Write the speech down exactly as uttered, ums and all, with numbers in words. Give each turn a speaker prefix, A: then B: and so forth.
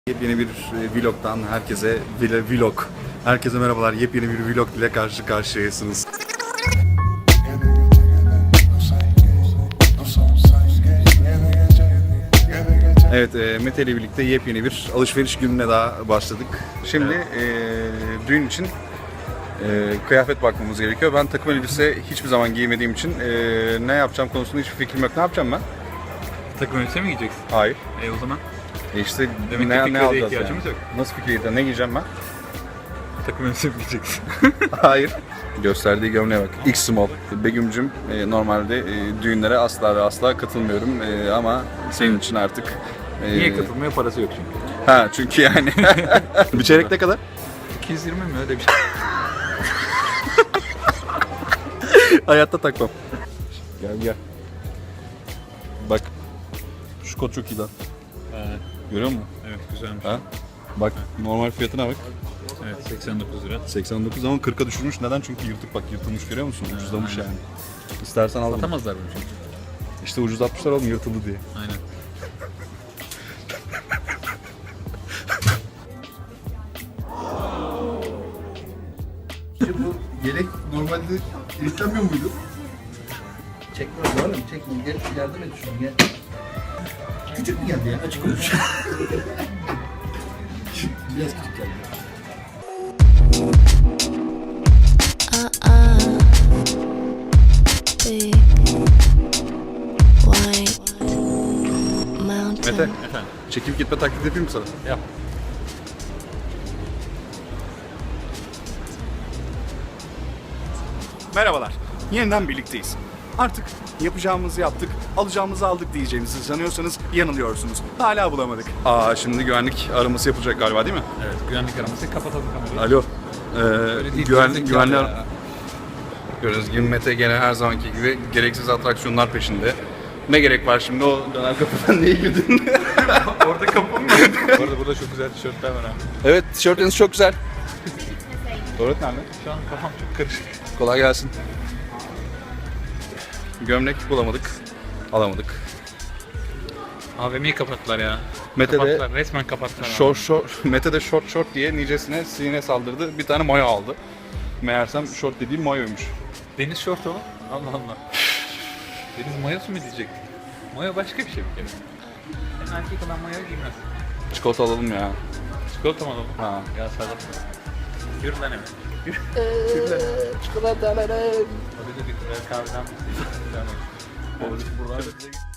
A: Yepyeni bir vlogdan herkese vlog. Herkese merhabalar. Yepyeni bir vlog ile karşı karşıyasınız. Evet, e, Mete ile birlikte yepyeni bir alışveriş gününe daha başladık. Şimdi e, düğün için e, kıyafet bakmamız gerekiyor. Ben takım elbise hiçbir zaman giymediğim için e, ne yapacağım konusunda hiçbir fikrim yok. Ne yapacağım ben?
B: Takım elbise mi giyeceksin?
A: Hayır.
B: E o zaman
A: E işte
B: demek
A: ne,
B: ki
A: ne
B: fikrede
A: alacağız
B: ihtiyacımız
A: yani?
B: yok.
A: Nasıl fikirde? Ne giyeceğim ben?
B: Takım elbise mi giyeceksin?
A: Hayır. Gösterdiği gömleğe bak. X small. Begüm'cüm e, normalde e, düğünlere asla ve asla katılmıyorum e, ama senin için artık... E,
B: Niye katılmaya parası yok çünkü.
A: Ha çünkü yani. Bir çeyrek ne kadar?
B: iki yüz yirmi mi öyle bir şey?
A: Hayatta takmam. Gel gel. Bak. Şu kot çok iyi lan.
B: Ee,
A: Görüyor musun?
B: evet güzelmiş.
A: Ha? Bak normal fiyatına bak.
B: Evet seksen dokuz lira.
A: seksen dokuz ama kırka düşürmüş. Neden? Çünkü yırtık bak yırtılmış görüyor musun? Ucuzlamış yani. İstersen al bunu.
B: Satamazlar bunu çünkü.
A: İşte ucuzlatmışlar oğlum yırtıldı diye.
B: Aynen.
A: İşte bu yelek normalde kilitlenmiyor muydu?
C: Çekme oğlum çekme gel yardım et şunu gel. Küçük mü geldi ya açık konuş. Biraz küçük geldi.
D: Big white mountain.
A: Mete,
B: Efendim
A: çekip gitme taklidi yapayım mı sana?
B: yap.
A: Merhabalar, yeniden birlikteyiz. Artık yapacağımızı yaptık, alacağımızı aldık diyeceğimizi sanıyorsanız yanılıyorsunuz. Hala bulamadık. Aa şimdi güvenlik araması yapılacak galiba değil mi?
B: Evet güvenlik araması kapatalım kamerayı.
A: Alo. Ee,
B: Öyle değil,
A: güvenlik
B: gerizekalı
A: güvenli ar-
B: ya.
A: Gördüğünüz gibi Mete gene her zamanki gibi gereksiz atraksiyonlar peşinde. Ne gerek var şimdi o döner kapıdan niye girdin?
B: Orada kapı mı? Bu arada burada çok güzel tişörtler var abi.
A: Evet, tişörtünüz çok güzel. Tuvalet nerede?
B: Şu an kafam çok karışık.
A: Kolay gelsin. Gömlek bulamadık, alamadık.
B: A V M'yi kapattılar ya.
A: Mete de
B: kapattılar, resmen kapattılar. abi.
A: Short short, Mete de short short diye nicesine sinine saldırdı. Bir tane mayo aldı. Meğersem short dediğim mayoymuş.
B: Deniz şort o. Allah Allah. Deniz mayosu mu diyecektik? Mayo başka bir şey bir kere. Sen erkek olan mayo giymez.
A: Çikolata alalım ya.
B: Çikolata mı alalım?
A: Ha.
B: Ya sarılma. Yürü lan hemen. Yürü.
C: Çikolatalarım.
B: Hadi de bir kahveden. Buradan.